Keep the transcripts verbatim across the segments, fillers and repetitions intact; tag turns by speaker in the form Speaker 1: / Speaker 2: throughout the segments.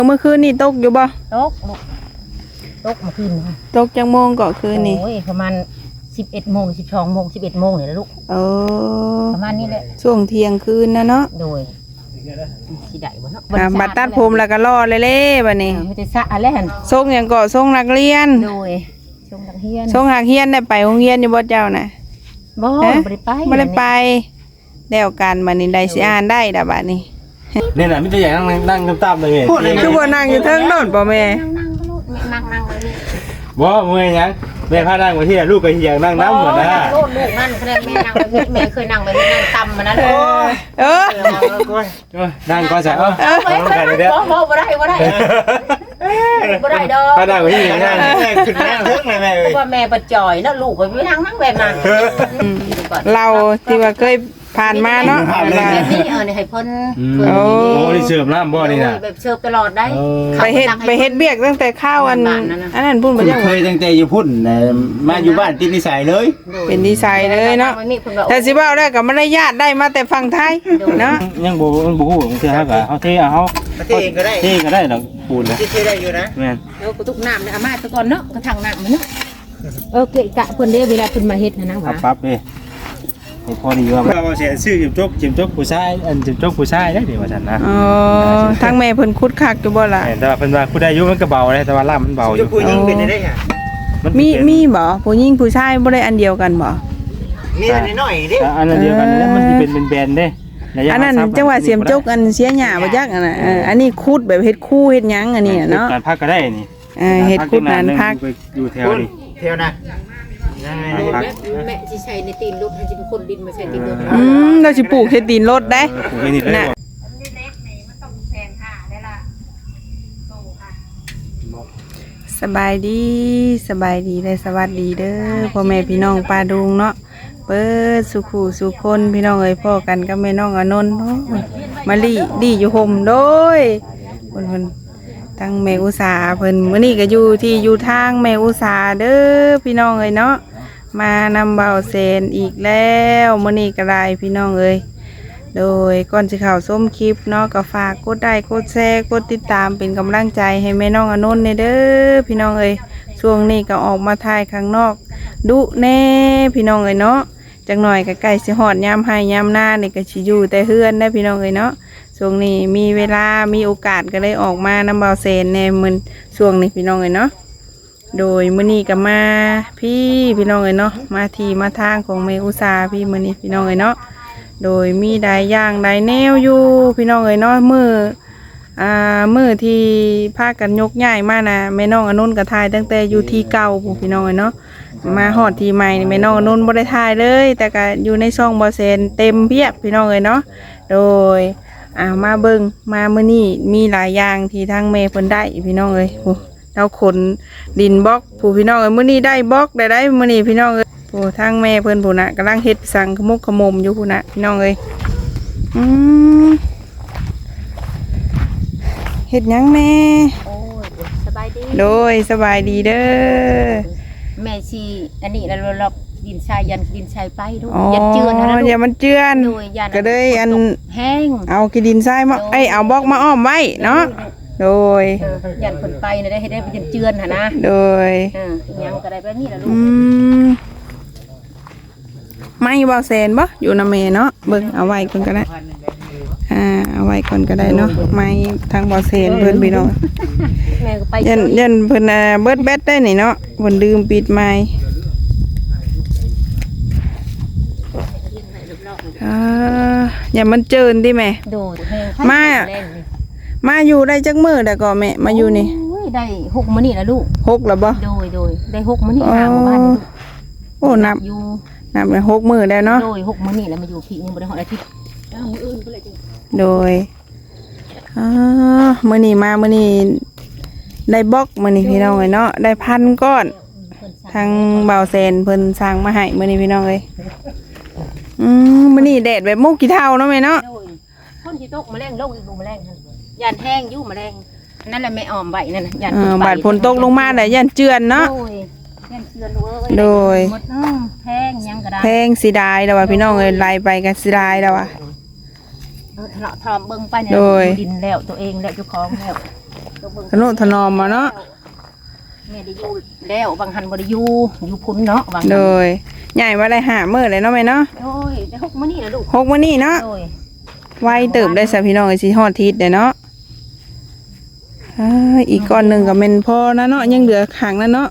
Speaker 1: เมื่อคืนนี่ตกอยู่บ่
Speaker 2: ตกตกมาคืน
Speaker 1: ตกจังโมงก็คืนนี่
Speaker 2: โอ้ยประมาณสิบเอ็ดโมงสิบสองโมงสิบเอ็ดโมงเนี่ยลูก
Speaker 1: เออ
Speaker 2: ประมาณนี้แหละ
Speaker 1: ช่วงเที่ยงคืนนะเนาะ
Speaker 2: โดยสิได้บ่เนาะ
Speaker 1: บัดตัดผมแล้วก็รอเลยเล่บัดนี้
Speaker 2: ไม่ได้สะอะไรหั่น
Speaker 1: ส่งหยังก็ส่งนักเรียน
Speaker 2: โดยส่งนักเรียน
Speaker 1: ส่งนักเรียนได้ไปโรงเรียนอยู่บ่เจ้าน่ะ
Speaker 2: บ่บ่ได้ไป
Speaker 1: บ่ได้ไปแล้วกันบัดนี้ได้สิอ่านได้ดอกบัดนี้
Speaker 3: นี่น่ะมีแต่อย่างนั่งนั่งตามๆเลยแม่
Speaker 1: คือบ่นั่งอยู่เทิงโน่นบ่แม่
Speaker 2: นั่งๆก็ลูกนั่งๆเลยนี่
Speaker 3: บ่เมื่อยหยังแม่พานั่งมาที่ลูกก็อยากนั่งน้ำเหมือนนะ
Speaker 2: ลูกลูกนั่นแสดงแม่นั่งแบบแม่เคยนั่งแบบนั่งต่ำมานั้นโอ้ย
Speaker 1: เออ
Speaker 3: นั่งก็จะเออ
Speaker 2: บ่บ่ได้บ่ได้บ่ได้ดอก
Speaker 3: พานั่งมาที่นั่งขึ้นนั่งเทิงเลยแม่
Speaker 2: เพราะว่าแม่ปัจจอยเนาะลูกก็ไปนั่งนั่งแบบนั้น
Speaker 1: เราที่ว่าเคยผ่านมาเนาะ
Speaker 2: แบบนี้เออนี่ให้เพิ่น
Speaker 3: โอ้นี่เสิร์ฟน้ำบ่นี่น่ะ
Speaker 2: แบบเสิร์ฟตลอดได้
Speaker 1: ไปเฮ็ดไปเฮ็ดเบียกตั้งแต่ข้าวอันอันนั้นพุ่นบ่
Speaker 4: จังเคยตั้งแต่อยู่พุ่นมาอยู่บ้านติดนิสัยเลย
Speaker 1: เป็นนิสัยเลยเนาะแต่สิเว้าได้ก็บ่ได้ญาติได้มาแต่ฝั่งไทยเนาะ
Speaker 3: ยังบ่มันบ่ฮู้ของเทื่อเฮาก็เฮาเทเอาเฮา
Speaker 4: เทก็ได้
Speaker 3: เทก็ได้ดอกปูนนะ
Speaker 4: เทได้อยู่นะ
Speaker 3: แม่น
Speaker 2: แล้วก็ตุกน้ำเนี่ยอามาซะก่อนเนาะกระถังน้ำมันเนาะเออเกะกะเพิ่นเด้เวลาเพิ่นมาเฮ็ดนะว่า
Speaker 3: ปั๊บเด้ให้พอดีว่าเราเสียชื่อจิมจกจิมจกผู้ชายอันจิมจกผู้ชายได้เดี๋ยวว่าซั่นนะ
Speaker 1: อ๋อทางแม่เพิ่นคุดคักอยู่บ่ล่ะ
Speaker 3: แต่ว่าเพิ่นว่าผู้ใดอายุมันก็เบาได้แต่ว่าล่ามมันเบาอยู่
Speaker 4: ผู้หญิงเป็นได้ค่ะ
Speaker 1: มีมีบ่ผู้หญิงผู้ชายบ่ได้อันเดียวกันบ่
Speaker 4: มีอันน้อยๆเด้
Speaker 3: อันเดียวกันนี่มันสิเป็นเป็นแบนเด้
Speaker 1: อันนั้นจังหวะเสียมจกอันเสียหญ้าบ่จักอันน่ะอันนี้คุดแบบเฮ็ดคู่เฮ็ดหยังอันนี้เนาะ
Speaker 3: การพักก็ได้นี่
Speaker 1: เออเฮ็ดคุดนั้นพัก
Speaker 3: อยู่แถวนี้
Speaker 4: แถวน่ะ
Speaker 2: แม่สิใช้ในตีนรถให้สิเป็นคนดินมาใช้ตีนรถ
Speaker 1: อืมเราสิปลูกเฮ็ดตีนรถได้
Speaker 3: น่ะ
Speaker 1: สบายดีสบายดีและสวัสดีเด้อพ่อแม่พี่น้องป้าดุงเนาะเปิดสุขูสุคนพี่น้องเอ้ยพ่อกันกับแม่น้องอนนท์มาลีดีอยู่ห่มโดยเพิ่นๆทั้งแม่อุษาเพิ่นมื้อนี้ก็อยู่ที่อยู่ทางแม่อุษาเด้อพี่น้องเอ้ยเนาะมานำเบาเซนอีกแล้วมื้อนี้ก็ได้พี่น้องเอ้ยโดยก่อนสิเข้าชมคลิปเนาะก็ฝากกดไลค์กดแชร์กดติดตามเป็นกำลังใจให้แม่น้องอนนท์เด้อพี่น้องเอ้ยช่วงนี้ก็ออกมาถ่ายข้างนอกดุแน่พี่น้องเอ้ยเนาะจังหน่อยก็ใกล้สิฮอดยามให้ยามหน้านี่ก็สิอยู่แต่เฮือนได้พี่น้องเอ้ยเนาะช่วงนี้มีเวลามีโอกาสก็เลยออกมานำเบาเซนในมื้อช่วงนี้พี่น้องเอ้ยเนาะโดยมื้อนี้ก็มาพี่พี่น้องเอ้ยเนาะมาที่มาทางของแม่อุษาพี่มื้อนี้พี่น้องเอ้ยเนาะโดยมีได้ย่างได้แนวอยู่พี่น้องเอ้ยเนาะมื้ออ่ามื้อที่พากันยกย้ายมานะแม่น้องอนนท์ก็ถ่ายตั้งแต่อยู่ที่เก่าผู้พี่น้องเอ้ยเนาะมาฮอดที่ใหม่นี่แม่น้องอนนท์บ่ได้ถ่ายเลยแต่ก็อยู่ในช่องบ่เซนเต็มเพียบพี่น้องเอ้ยเนาะโดยอ่ามาเบิ่งมามื้อนี้มีหลายอย่างที่ทางแม่เพิ่นได้พี่น้องเอ้ยโหเราขนดินบล็อกผู้พี่น้องเอ้ยมื้อนี้ได้บล็อกได้ได้มื้อนี้พี่น้องเอ้ยโอ้ทางแม่เพิ่นผู้น่ะกำลังเฮ็ดสังขมุกขมมอยู่ผู้น่ะพี่น้องเอ้ยอืมเฮ็ดหยังแม่
Speaker 2: โอ้ยสบายดี
Speaker 1: โดยสบายดีเด้อ
Speaker 2: แม่สิอันนี้แล้วเราดินชายยันดินชายไปดู
Speaker 1: ยันเจือนนะลูกอย่ามันเจือนก็เลยอัน
Speaker 2: แห้ง
Speaker 1: เอากินดินทรายมาไอเอาบล็อกมาอ้อมไว้เนาะโดย
Speaker 2: ยันคนไปนะได้ให้ได้เป็นเจือนหะนะ
Speaker 1: โดย
Speaker 2: ยังก็ได้แบบนี้แหละลูก
Speaker 1: ไม่บาเซนบ่อยู่นำเมเนาะเบิ่งเอาไว้ก่อนก็ได้อ่าเอาไว้ก่อนก็ได้เนาะไม่ทางบาเซนเพิ่นพี่น้องยันยันเพิ่นเบิดแบตได้นี่เนาะเพิ่นลืมปิดไม้อ่าอย่ามันเจินดิแม่มามาอยู่ได้จักมื้อได้ก็แม่มาอยู่นี่
Speaker 2: ได้หกมื้อนี่ล่ะลูก
Speaker 1: หกแล้วบ่
Speaker 2: โดยโดยได้หกมื้อนี่ทางบ้าน
Speaker 1: โอ้นับอยู่นับได้หกมื้อแล้วเนาะ
Speaker 2: โดยหกมื้อนี่แล้วมาอยู่พี่ยังบ่ได้ฮอดอาทิตย์มื้ออื่นก็เลยจัง
Speaker 1: โดยอ่ามื้อนี้มามื้อนี้ได้บล็อกมื้อนี้พี่น้องเอ้ยเนาะได้พันก้อนทางเบาเซนเพิ่นสร้างมาให้มื้อนี้พี่น้องเอ้ยอืมมื้อนี้แดดแบบมุกกี่เท่าเนาะแม่เนาะ
Speaker 2: คนที่ตกแมลงลงอีกดูแมลงยันแห้งอยู่แมลงนั่นแหละแม่ออมไว้นั่นน่ะยัน
Speaker 1: บาดฝนตกลงมาได้ยันเจือนเนาะ
Speaker 2: ยันเจือนเว้ย
Speaker 1: โดย
Speaker 2: แพงยังก็ได้
Speaker 1: แพงสิได้แล้วว่าพี่น้องเอ้ยไล่ไปกันสิได้แล้วว่ะ
Speaker 2: เออทะเลาะทอมเบิ่งไปเนี่ยดินแล้วตัวเองแล้วเจ้าของแล้ว
Speaker 1: ทนุถนอมมาเนาะ
Speaker 2: แม่ได้อยู่แล้วบางหันบ่ได้อยู่อยู่พุ่นเนาะบางหัน
Speaker 1: โดยใหญ่ว่าได้หามื้อเลยเนาะแม่เนาะ
Speaker 2: โอ้ยได้หกมื้อนี่ล่ะลูก
Speaker 1: หกมื้อนี้เนาะ
Speaker 2: โอ้ย
Speaker 1: ไวเติบได้ซะพี่น้องไอ้สิฮอดทิศเด้เนาะอ่าอีกก้อนหนึงก็แม่นพอนะเนาะยังเหลือข้างนั้นเนาะ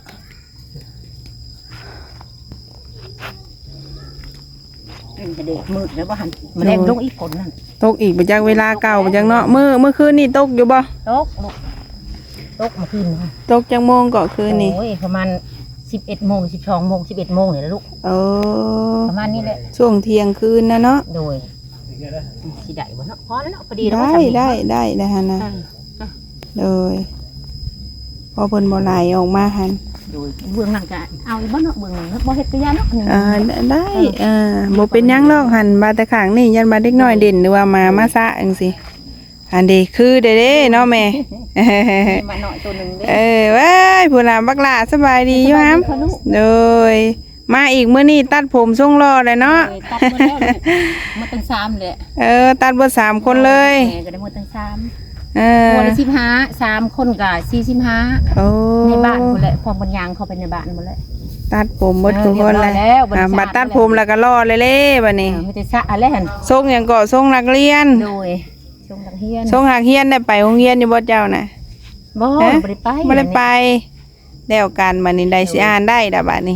Speaker 2: เป็นจะเด็กมืดแล้วบ่หันมาแรงลงอีกคนนั่น
Speaker 1: ตกอีกบ่จักเวลาเก่าบ่จักเนาะมื้อเมื่อคืนนี่ตกอยู่บ่
Speaker 2: ตกลูกตกเมาขึ้นเนาะ
Speaker 1: ตกจังโมงก็คืนนี่
Speaker 2: โอ้ยประมาณสิบเอ็ดโมงสิบสองโมงสิบเอ็ดโมงนี่แหละลูก
Speaker 1: โอ้
Speaker 2: ประมาณนี้แหละ
Speaker 1: ช่วงเที่ยงคืนนะเนาะ
Speaker 2: โดยสิได้บ่เนาะพอแล้วเนาะพอดีแล้ว
Speaker 1: ได้
Speaker 2: ว่าทำนี่
Speaker 1: ได้ได้ได้หั่นน่ะ
Speaker 2: อ่า
Speaker 1: เลยพอเพิ่นบ่ไหลออกมาหั่น
Speaker 2: โดยเบื้องหลังก็เอาอีกบ่เนาะเบื้องหลังบ่เฮ็ดกระยาเนาะ
Speaker 1: อ่าได้อ่าบ่เป็นหยังหรอกหั่นบาแต่ข้างนี่ยันบาเด็กน้อยเด่นหรือว่ามามาซะจังซี่อันนี้คือเด้เด้เนาะแม่
Speaker 2: มาหน่อยตัวหนึงเด้
Speaker 1: เออเว้ยผู้หลานบักหลาสบายดีอยู่ฮัมโดยมาอีกมื้อนี้ตัดผมทรงรอเลยเนาะ
Speaker 2: โดยตัดหมดแล้วลูกหมดตั้งสามเลย
Speaker 1: เออตัดเบิดสามคนเลย
Speaker 2: แม่ก็ได้หมดตั้งสาม
Speaker 1: เออ
Speaker 2: หมดละสิบห้าสามคนก็สี่สิบห้า
Speaker 1: โอ้
Speaker 2: ในบ้านหมดเลยพร้อมกันยางเข้าไปในบ้านหมดเลย
Speaker 1: ตัดผมเบิดทุกคนเลย
Speaker 2: เออเรียบร้อยแล้วบัดนี้
Speaker 1: อ่าบัดตัดผมแล้วก็รอเลยเล่บัดนี้
Speaker 2: ไม่ได้สะอะไรหัน
Speaker 1: ทรงหยังก็ทรงนักเรียน
Speaker 2: โดยชงดังเฮียน
Speaker 1: ทรงหักเฮียนได้ไปโรงเรียนอยู่บ่เจ้าน่ะ
Speaker 2: บ่
Speaker 1: ฮะ
Speaker 2: บ่ได้ไป
Speaker 1: บ่ได้ไปแล้วกันบัดนี้ได้สิอ่านได้ดะบัดนี้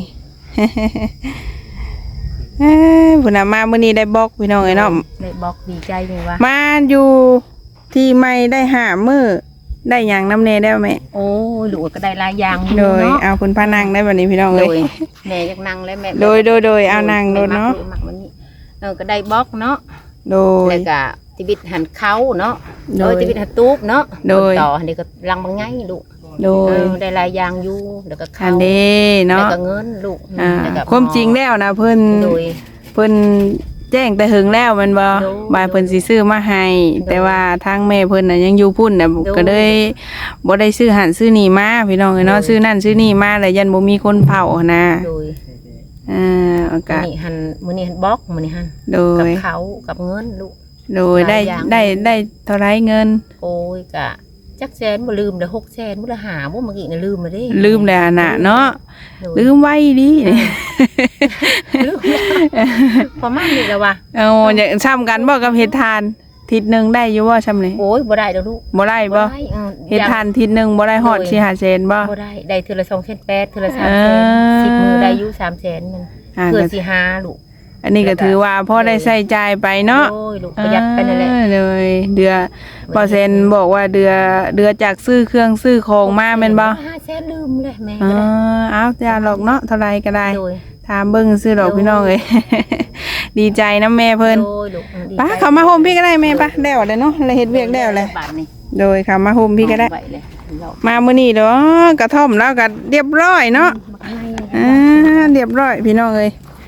Speaker 1: เอ้ยพุ่นน่ะมามื้อนี้ได้บอกพี่น้องเอ้ยเนาะ
Speaker 2: ได้บอกดีใจเลยว่า
Speaker 1: มาอยู่ที่ไม่ได้หามือได้อย่างน้ำเนได้ไหม
Speaker 2: โอ้ยลูกก็ได้หลายอย่างอยู่
Speaker 1: โดย
Speaker 2: เนาะ
Speaker 1: เอาคุณพานังได้แบบนี้พี่น้อง
Speaker 2: โด
Speaker 1: เลย
Speaker 2: ยแม่อยากนั่งแล้วแม่
Speaker 1: โดยโดยโดยเอานั่งโดยเนาะ
Speaker 2: แม่มักมันนี่เออก็ได้บล็อกเนาะ
Speaker 1: โดย
Speaker 2: แล้วก็ติบิดหันเขาเนาะ
Speaker 1: โด
Speaker 2: โด
Speaker 1: ย
Speaker 2: ยติบิดหันตูบเนาะ
Speaker 1: โดย
Speaker 2: ต่ออันนี้ก็ลังบางไงลูก
Speaker 1: โด
Speaker 2: เอย อได้หลายอย่างอยู่แล้วก็
Speaker 1: อั
Speaker 2: เขา
Speaker 1: นนี้
Speaker 2: แล้ว
Speaker 1: เนาะ
Speaker 2: ก็เงินลูก
Speaker 1: อ่า
Speaker 2: แล้วก็
Speaker 1: ความจริงแล้วนะเพิ่น
Speaker 2: โดย
Speaker 1: เพิ่นแจ้งแต่หึงแล้วแมันบ่
Speaker 2: โดย
Speaker 1: บายเพิ่นสิซื้อมาให้ แต่ว่าทางแม่เพิ่นน่ะยังอยู่พุ่นน่ะ
Speaker 2: โดย
Speaker 1: ก็เลยบ่ได้ซื้อหันซื้อนี่มาพี่น้องเอ้ยเนาะ
Speaker 2: โดย
Speaker 1: ซื้อนั่นซื้อนี่มาแล้วยันบ่มีคนเผานะ
Speaker 2: โดย
Speaker 1: อ่าโอ
Speaker 2: มื้
Speaker 1: กา
Speaker 2: อ
Speaker 1: ส
Speaker 2: นี้หันมื้อนี้หันบล็อกมื้อนี้หัน
Speaker 1: โด
Speaker 2: กับ
Speaker 1: ย
Speaker 2: เขากับเงินลูก
Speaker 1: โดยได้
Speaker 2: หลายอย่าง
Speaker 1: ได้ได้เท่าไรเงิน
Speaker 2: โอ้ยกะจักแสนบ่ลืมเด้อหกแสนบ่ละหาบ่เมื่อกี้น่ะลืมมาเด้
Speaker 1: ลืมแล้วน่ะเนาะ
Speaker 2: โดย
Speaker 1: ลืมไว้ดิ
Speaker 2: ลืมประมาณนี้แหละว่ะ
Speaker 1: เอาอย่างซ้ำกันบ่กับเฮ็ดทานทิศหนึงได้อยู่บ่ซ้ำนี่
Speaker 2: โอ้ยบ่ได้ดอกลูก
Speaker 1: บ่ได้บ่
Speaker 2: ได้เออ
Speaker 1: เฮ็ดทานทิศหนึงบ่ได้ฮอดสิหาแสนบ่
Speaker 2: บ่ได้ได้เทื่อละสองแสนแปดเทื่อละสาม
Speaker 1: เอ
Speaker 2: แส
Speaker 1: อ
Speaker 2: นสิบมื้อได้อยู่สามแสนมัน
Speaker 1: อ่า
Speaker 2: เพื่อ
Speaker 1: ก็
Speaker 2: สิหาลูก
Speaker 1: อันนี้ก็ถือว่าพอได้ใช้จ่ายไปเนาะ
Speaker 2: โอ้ยลูกประหยัดไปนั่นแหละ
Speaker 1: อ่าเลยเดือเปอร์เซ็นต์บอกว่าเดือเดือจากซื้อเครื่องซื้อของมาแม่นบ่
Speaker 2: ห้าแสนลืมเลยแม่
Speaker 1: อ๋
Speaker 2: ก็
Speaker 1: อ
Speaker 2: ได้
Speaker 1: เอาจ้าหรอกเนาะเท่าไรก็ได้
Speaker 2: โดย
Speaker 1: ถามเบิ่งซื้อดอกพี่น้องเอ้ย ดีใจนะแม่เพิ่น
Speaker 2: โดยลูกดี
Speaker 1: ป้า
Speaker 2: ใจ
Speaker 1: เขามาโฮมพี่ก็ได้แม่ป้าแล้วเลยเนาะเลยเฮ็ดเวียกแล้วเลย
Speaker 2: บาทนี่
Speaker 1: โดยเขามาโฮมพี่ก็ได้
Speaker 2: เอาว้เลยเรา
Speaker 1: มามื้อนี้เด้อกระท่อมแล้วก็เรียบร้อยเนาะ
Speaker 2: บักไง
Speaker 1: อ่าเรียบร้อยพี่น้องเอ้ย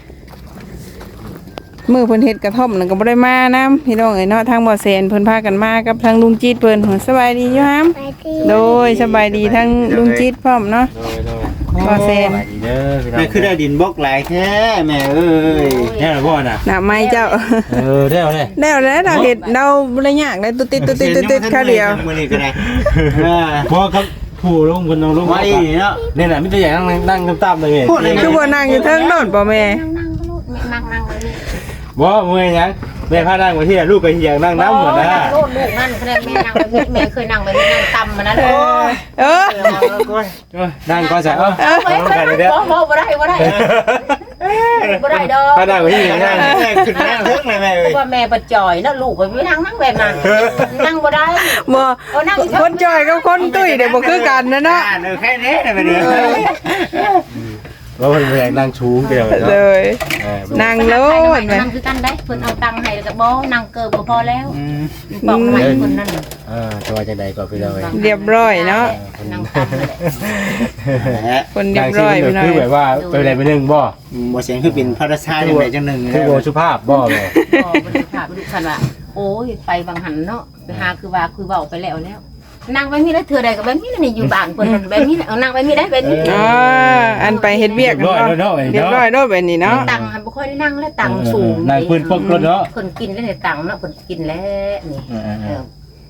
Speaker 1: มื้อเพิ่นเฮ็ดกระท่อมนั่นก็บ่ได้มานํพี่น้องเอ้ยเนาะทางบ่อแสนเพิ่นพากันมากับทางลุงจิตเพิ่นสบายดีอยู่ฮัมโดยสบายดีทั้งลุงจิตพร้อมเนาะ
Speaker 3: โดยโดย
Speaker 1: บ่อแสน
Speaker 3: ไปดีเด้อพี่น้อง
Speaker 4: แม่คือได้ดินบล็อกหลายแท้แม่เอ้ย
Speaker 3: แน่หรือบ่น่ะ
Speaker 1: น่ะไม้เจ้า
Speaker 3: เออได้เอาเลย
Speaker 1: แล้วแล้วเราเฮ็ดเราบ่ได้ยากเลยตุ๊ดติดตุ๊ดติดตุ๊ดติดแค่เดียว
Speaker 4: มื้อนี้ก็ได้เออ
Speaker 3: บ่ครับผู้ลงคนลงลง
Speaker 4: ไว้เนาะ
Speaker 3: นี่แหละมิตรอย่างนั่งนั่งตามๆเลย
Speaker 4: พูดเลย
Speaker 1: คือบ่นั่งอยู่เทิงโน่นบ่แม่
Speaker 2: นั่งนั่งก็ลูกนั่งนั่งเลยนี่
Speaker 3: บ่เมื่อยยังแม่พานั่งไว้ที่ลูกก็เฮียงนั่งน้ำหมดนะ
Speaker 2: นั่งโลดลูกนั่นแค่แม่นั่งแบบนี้แม่เคยนั่งแบบนี้นั่งต่ำมานั้นโอ้ย
Speaker 1: เออ
Speaker 3: นั่งก็ใส่เอ้า
Speaker 2: บ่
Speaker 3: ลงกันเลยเด้อ
Speaker 2: บ่บ่ได้บ่ได้บ่ได้ดอก
Speaker 3: พานั่งไว้ที่นั่ง
Speaker 4: แม่ขึ้นนั่งเทิงเลยแม่เอ้ย
Speaker 2: ว่าแม่ปัดจ่อยนะลูกไปนั่งนั่งแบบนั้นนั่งบ่ได้
Speaker 1: บ่
Speaker 2: เอานั่ง
Speaker 1: คนจอยกับคนตุ้ยเดี๋ยวบ่คือกันนะเนาะ
Speaker 4: อ่เออแค่นี้ได้ไปเด้อ
Speaker 3: ว่ามันแรงนั่งชูงเดียว
Speaker 1: เลย
Speaker 3: เออ
Speaker 1: นั่งโลดแม่
Speaker 2: นั่งคือกันได้เพิ่นเอาตังค์ให้แล้วก็บ่นั่งเกิบก็พอแล้ว
Speaker 4: อืม
Speaker 2: บอกใหม่คนนั้น
Speaker 3: เออจะว่าจังได๋ก็พี่น้องเอ้ย
Speaker 1: เรียบร้อยเนาะ
Speaker 2: นั่งต่ำเลย
Speaker 4: แหละ
Speaker 1: คนเรียบร้อยไปหน่อ
Speaker 3: คือย แบบว่าเป็นอะไรไปนึงบ่
Speaker 4: บ่เสียงคือเป็นพระราชาจังไดจังหนึง
Speaker 3: คือโบสุภาพบ่แม่
Speaker 2: บ่บ่ได้ถามลูกคันว่าโอ้ยไปบางหันเนาะไปหาคือว่าคือเว้าไปแล้วแล้วนั่งไปมีได้เทื่อใดก็แบบนี้นี่อยู่บ้านเพิ่นแบบนี้เอานั่งไปมีได้แบบนี้
Speaker 1: อ๋ออันไปเฮ็ดเวียกกันบ่เรียบร้อยโดดแบบนี้เนาะ
Speaker 2: ตังค์หันบ่ค่อยได้นั่งแล้วตังค์สูง
Speaker 3: นั่งพื้นปกรถเนาะ
Speaker 2: เพิ่นกินได้แต่ตังค์เนาะเพิ่นกินแล้วนี่เออ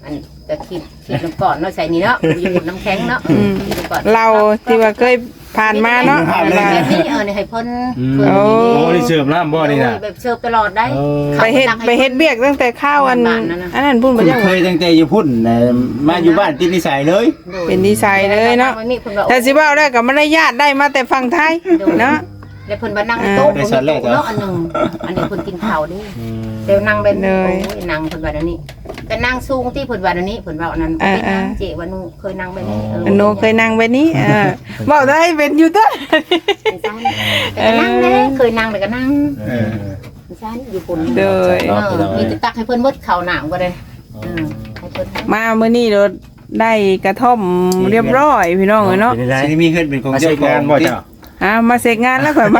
Speaker 2: อันก็คิดคิดน้ำก่อนเนาะใส่นี่เนาะอยู่น้ำแข็งเนาะ
Speaker 1: อืม เราที่ว่าเคยผ่านมาเนาะ
Speaker 2: แบบนี้เออเนี่ยให้เพิ่น
Speaker 1: โอ้
Speaker 3: โอ้นี่เสิร์ฟน้ำบ่นี่น่ะ
Speaker 2: แบบเสิร์ฟตลอดได้
Speaker 1: ไปเฮ็ดไปเฮ็ดเบียกตั้งแต่ข้าวอันอันนั้นพุ่นบ่
Speaker 4: คุณ
Speaker 1: จัง
Speaker 4: เคยตั้งแต่อยู่พุ่นน่ะมาอยู่บ้านติดนิสัยเลย
Speaker 1: เป็นดีไซน์เลยเนาะแต่สิเว้าได้ก็บ่ได้ญาติได้มาแต่ฝั่งไทยเนาะ
Speaker 2: แล้วเพิ่นมานั่งโต๊ะเนาะอันนึงอันนี้เพิ่นกินข้าวดิเดี๋ยวนั่งเป็นโอ้ยนั่งเพิ่นว่าอันนี้ก็นั่งสูงที่เพิ่นว่าอันนี้เพิ่นว่าอันนั้นเป็นนั่งเจว่านูเคยนั่งแบบนี้
Speaker 1: อันโนเคยนั่งแบบนี้เออเว้าได้เป็นอยู่เด้อ
Speaker 2: แต่ก็นั่งเด้เคยนั่งแต่ก็นั่ง
Speaker 3: เออ
Speaker 2: ใช่อยู่ปุ่น
Speaker 1: เด้อ
Speaker 2: เออมีแต่ตักให้เพิ่นหมดข้าวหนามก็ได้เออให้เพิ่น
Speaker 1: มามื้อนี้เราได้กระท่อมเรียบร้อยพี่น้องเอ้ยเนาะ
Speaker 3: เป็นได้
Speaker 4: สิมีขึ้นเป็นของ
Speaker 3: มา
Speaker 4: เจ้า
Speaker 3: ใช้
Speaker 4: ข
Speaker 3: งา
Speaker 4: อน ง
Speaker 3: บ่เจ้า
Speaker 1: อ่ะมาเสร็จงานแล้วข่อยมา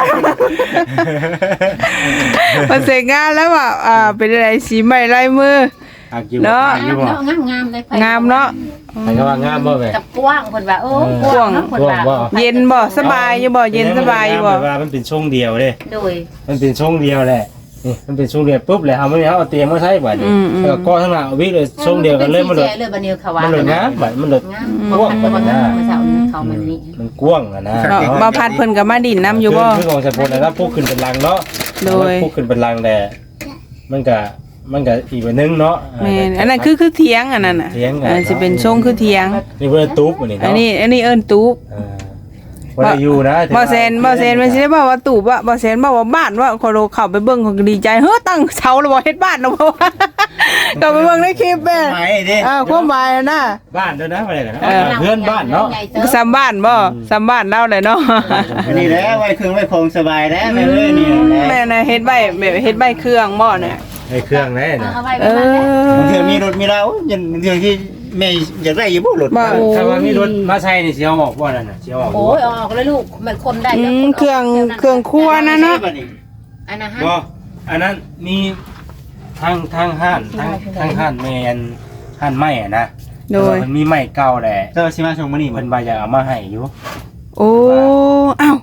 Speaker 1: มาเสร็จงานแล้วว่าอ่าเป็นอะไรสีใหม่ลายมือ
Speaker 3: อักอยู่
Speaker 1: เนาะ
Speaker 3: อักอยู่บ่
Speaker 2: งามงามเลย
Speaker 1: งามเนาะ
Speaker 3: ใครก็ว่างามบ่แม่
Speaker 2: กับกว้างเพิ่นว่าโอ้กว้างเนาะเพิ่นว่า
Speaker 1: เย็นบ่สบายอยู่บ่เย็นสบายอยู่บ่
Speaker 3: แบบว่ามันเป็นช่วงเดียวเด้
Speaker 2: โดย
Speaker 3: มันเป็นช่วงเดียวแหละนี่มันเป็นช่วงเดียวปุ๊บแล้วเอาไม่เอาเตียงมาใช้บัดนี้แล้วก็ข้างหน้าเอาวิเลยช่วงเดียวกันเลยมันเลย
Speaker 2: เลยบัดนี้เขาว่า
Speaker 3: มันเลยงามบัดมันเลย
Speaker 2: งามเพราะว่าเพิ่นว่าเมื่อเช้านี้เขามันนี่
Speaker 3: มันกว้างอะนะ
Speaker 1: เนาะบ่พัดเพิ่นก็มาดินน้ำอยู่บ่
Speaker 3: คือของสะพนนะครับพวกขึ้นเป็นลังเนาะ
Speaker 1: โดย
Speaker 3: พวกขึ้นเป็นลังแต่มันก็มันก็อีกแบบนึงเนาะ
Speaker 1: แม่นอันนั้นคือคือเถียงอันนั้นน่ะ
Speaker 3: เถียงกัน
Speaker 1: อันสิเป็นทรงคือเถียง
Speaker 3: นี่เพิ่นตุ๊บอันนี้
Speaker 1: อัน
Speaker 3: เนาะ
Speaker 1: นี้อันนี้เอิ้นตูบ
Speaker 3: เออบ่ได้อยู่นะ
Speaker 1: บ่แซนบ่แซนมันสิได้บอกว่าตูบว่าบ่แซนบอกว่าบ้านว่าคนเข้าไปเบิ่งเขาก็ดีใจเฮ้อตั้งเสาแล้วบ่เฮ็ดบ้านแล้วบ่ ก็ไปเบิ่งในคลิปแม่
Speaker 4: ไม่เด้
Speaker 1: อ่าความหมายนะ
Speaker 3: บ้านเด้อนะบ่ได้กันนะ
Speaker 1: เออ
Speaker 3: เพื่อนบ้านเนาะ
Speaker 1: ซ้ำบ้านบ่ซ้ำบ้านเราเลยเนาะ
Speaker 4: อันนี้แหละไว้เครื่องไว้ของสบายแล้วแม่เอ้ยนี่แหละ
Speaker 1: แม่น่ะเฮ็ดใบแบบเฮ็ดใบเครื่องบ่เนี่ย
Speaker 3: ไอ้เครื่องแน่น่ะ
Speaker 2: เอาไว้
Speaker 1: เอ
Speaker 2: ประมาณนั้น
Speaker 1: อ
Speaker 4: บางเทื่อมีรถมีเรายันบางเทื่อที่แม่อยากได้อยู่บ่รถ
Speaker 1: บ่
Speaker 3: ถ้าว่ามีรถมาใช้นี่สิเอาออกบ่นั่นน่ะสิเอาออก
Speaker 2: โอ้ยออกแล้วลูกมันคนได้
Speaker 1: อืมเครื่องเครื่องครัวนะเนาะ
Speaker 2: อันนั้นฮะ
Speaker 3: บ่อันนั้นมีทางทางห้านทางทางห้านแม่นห้านไม้อะนะ
Speaker 1: โดย
Speaker 3: มันมีไม้เก่าแหละ
Speaker 4: เจ้าสิมาส่งมื้อนี้บ่
Speaker 3: เพิ่นว่าอยากเอามาให้อยู่
Speaker 1: โอ้เอ้า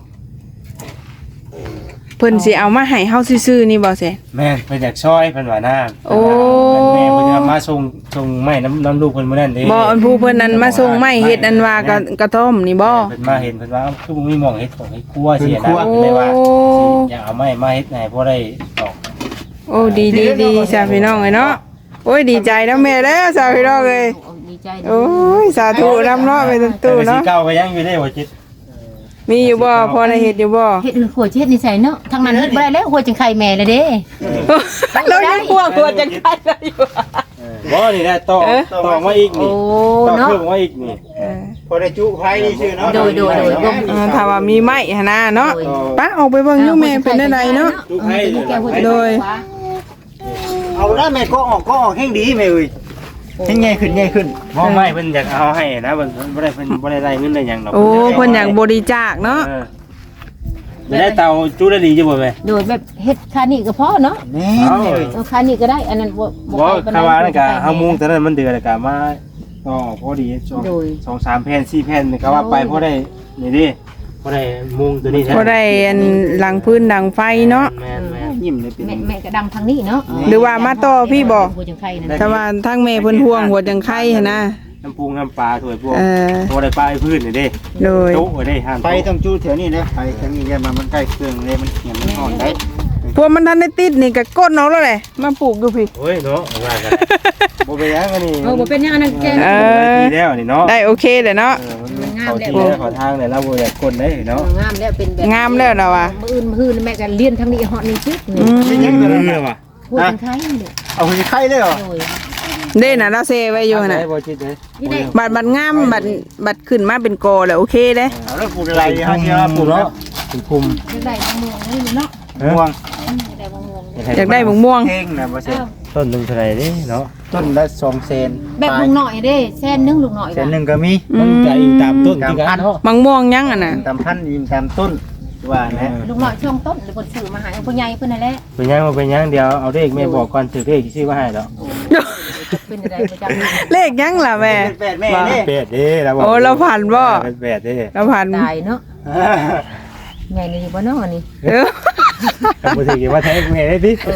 Speaker 1: เพิ่นสิเอามาให้เฮาซื่อๆนี่บ่แซ่
Speaker 3: แม่นเพิ่นอยากช่วยเพิ่นว่านะ
Speaker 1: โอ้
Speaker 3: แม่เพิ่นจะมาส่งส่งไม้น้ำน้ำลูกเพิ่นมื้อนั้นเด้
Speaker 1: บ่อันผู้เพิ่นนั้นมาส่งไม้เฮ็ดอันว่ากระกระท่อมนี่บ่
Speaker 3: เพิ่นมาเห็นเพิ่นว่าคือบ่มีหม่องเฮ็ดของเฮ็ดครัวเสียนะ
Speaker 1: โอ้
Speaker 3: เพิ่นเลยว่าสิอยากเอาไม้มาเฮ็ดให้พอได้ออก
Speaker 1: โอ้ดีดีดีจ้าพี่น้องเอ้ยเนาะโอ้ยดีใจนะแม่เด้อจ้าพี่น้องเอ้ย
Speaker 2: ดีใจ
Speaker 1: โอ้ยสาธุนำเนาะไปตู้
Speaker 3: แต่
Speaker 1: เนาะ
Speaker 3: สีเก่าก็ยังอยู่ได้บ่จิต
Speaker 1: มีอยู่บ่พอได้เฮ็ดอยู่บ่
Speaker 2: เฮ็ดหัวเฮ็ดนี่ใส่เนาะทางนั้นเฮ็ดบ่ได้แล้วหัวจังไข่แม่เลยเด้
Speaker 1: เรายังกลัวกลัวจังได๋อยู่
Speaker 3: บ่นี่ได้ต่อต่อมาอีก
Speaker 2: โอ้
Speaker 3: นี่ต่อ
Speaker 2: เนาะ
Speaker 3: เพิ่มมาอีกนี่
Speaker 4: พอได้จุไผนี่ชื่อเนาะ
Speaker 2: โดยโดยโดย
Speaker 1: เออถ้าว่ามีไม้หั่นน่ะเนาะปะออกไปเบิ่งอยู่แม่เป็นได้ไดเนาะ โดย
Speaker 4: เอาได้แม่ก็ออกก็ออกแห่งดีแม่เอ้ยแห่งใหญ่ขึ้นใหญ่ขึ้น
Speaker 3: บ่ไม่เพิ่นอยากเอาให้นะเพิ่นบ่ได้เพิ่นบ่ได้ได้เงินได้หยังดอก
Speaker 1: โอ้เพิ่นอยากบริจาคเนาะ
Speaker 3: เออจะได้เตาจุได้ดีจังบ่แม่
Speaker 2: โดยแบบเฮ็ดคานี่ก็พอเนาะ
Speaker 4: แม่
Speaker 3: เอา
Speaker 4: แม่เอ้ย
Speaker 2: เออคานี่ก็ได้อันนั้นบ่
Speaker 3: บ่คำว่านั่นก็เฮามุงแต่นั้นมันเดือดแล้วก็มาต่อพอดีสอง
Speaker 2: โดย
Speaker 3: สองสามแผ่นสี่แผ่นนี่ก็ว่าไปพอได้นี่ดิพอได้มุงตัวนี้
Speaker 1: บ่ได้อันหลังพื้นดังไฟเนาะ
Speaker 3: แม่นแม่น
Speaker 4: ยิ้มเลยเป็น
Speaker 2: แม่แม่ก็ดังทางนี้เนาะ
Speaker 1: หรือว่ามาต่อพี่บ่
Speaker 2: หัวจังไข่นั่น
Speaker 1: แต่ว่าทางแม่เพิ่นห่วงหัวจังไข่หั่นนะ
Speaker 3: น้ำปูน้ำปลาถ้วยพวก
Speaker 1: เออ
Speaker 3: พอได้ปลาไอ้พื้นนี่ดิ
Speaker 1: โดย
Speaker 3: โต๊ะไว้ได้ห้าม
Speaker 4: ไปต้องจูแถวนี้นะไปทางนี้อย่ามามันใกล้เครื่องเลยมันเหี่ยมมันอ่อนได้
Speaker 1: พวกมันทันได้ติดนี่ก็ก้นเอาแล้วแหละมาปลูกอยู่พี่
Speaker 3: โอ้ยเนาะว่ากันบ่ไปยังกันนี่
Speaker 2: เออบ่เป็นหยังอันนั้นแก
Speaker 1: เอ
Speaker 3: ได้
Speaker 1: อ
Speaker 3: ทีแล้วนี่เนาะ
Speaker 1: ได้โอเคเลยเนาะ
Speaker 3: เออมันเข้าที่แล้วเข้าทางเลยเราบ่อยากกดได้เนาะ
Speaker 2: งามแล้วเป็นแบบ
Speaker 1: งามแล้วเราอ่ะ
Speaker 2: มื้ออื่นมื้ออื่นแม่ก็เรียนทางนี้ฮอดนี่ซิ
Speaker 1: อืม
Speaker 3: ยังเรือว่ะ
Speaker 2: หัวจังไข่นี่
Speaker 4: เอาไปไข่เลยเหรอ
Speaker 2: โดย
Speaker 1: เด้น่ะเราเซไว้อยู่น่ะ
Speaker 3: บ่จิตเด้
Speaker 2: นี่ได้
Speaker 1: บัดบัดงามบัดบัดขึ้นมาเป็นกอแล้วโอเคเด้
Speaker 4: เอาแล้วปลูกอะไรฮะเนี่ยปลูก
Speaker 3: เนาะ
Speaker 4: เนาะ
Speaker 3: ถึงคุม
Speaker 2: จังได้บางม่วงนี่เนาะ
Speaker 4: ม่วง
Speaker 2: จังได้บางม่วง
Speaker 1: อยากได้บงม่วง
Speaker 4: เฮงนะบ่เซ็น
Speaker 3: ต้นหนึงเท่าไหร่ดิเนาะ
Speaker 4: ต้นละสองเซน
Speaker 2: แบบลุงหน่อยเด้แสนนึงลุงหน่อย
Speaker 4: เซนหนึ่งก็มี
Speaker 1: อื
Speaker 3: มัน
Speaker 1: ม
Speaker 3: จะอิงตามต้นที่กันเนาะ
Speaker 1: บางม่วงยังอ่ะน่ะ
Speaker 4: ตามพันธุ์ยินตามต้นว่านะ
Speaker 2: ลุงหน่อยช่วงต้นหรือคนซื้อมาให้ผู้ใหญ่เพิ่นนั่นแหละ
Speaker 3: เป็นยังมาเป็นยังเดี๋ยวเอาเลขแม่บอกก่อนถือเลขชื่อว่าให้ดอก
Speaker 2: เป็นอะไรประจำ
Speaker 1: เลขยังล่ะแม่
Speaker 4: แปดแม่นี่
Speaker 3: เป็ดเด้เราบอก
Speaker 1: โอ้เราผ่านบ่
Speaker 3: เป็นเป็ดเด้
Speaker 1: เราผ่าน
Speaker 2: ตายเนาะใหญ่เลยบ่เนาะนี่
Speaker 1: เออ
Speaker 3: ก็บ่ถือว่าแท้แม่ได้ติ
Speaker 2: เออ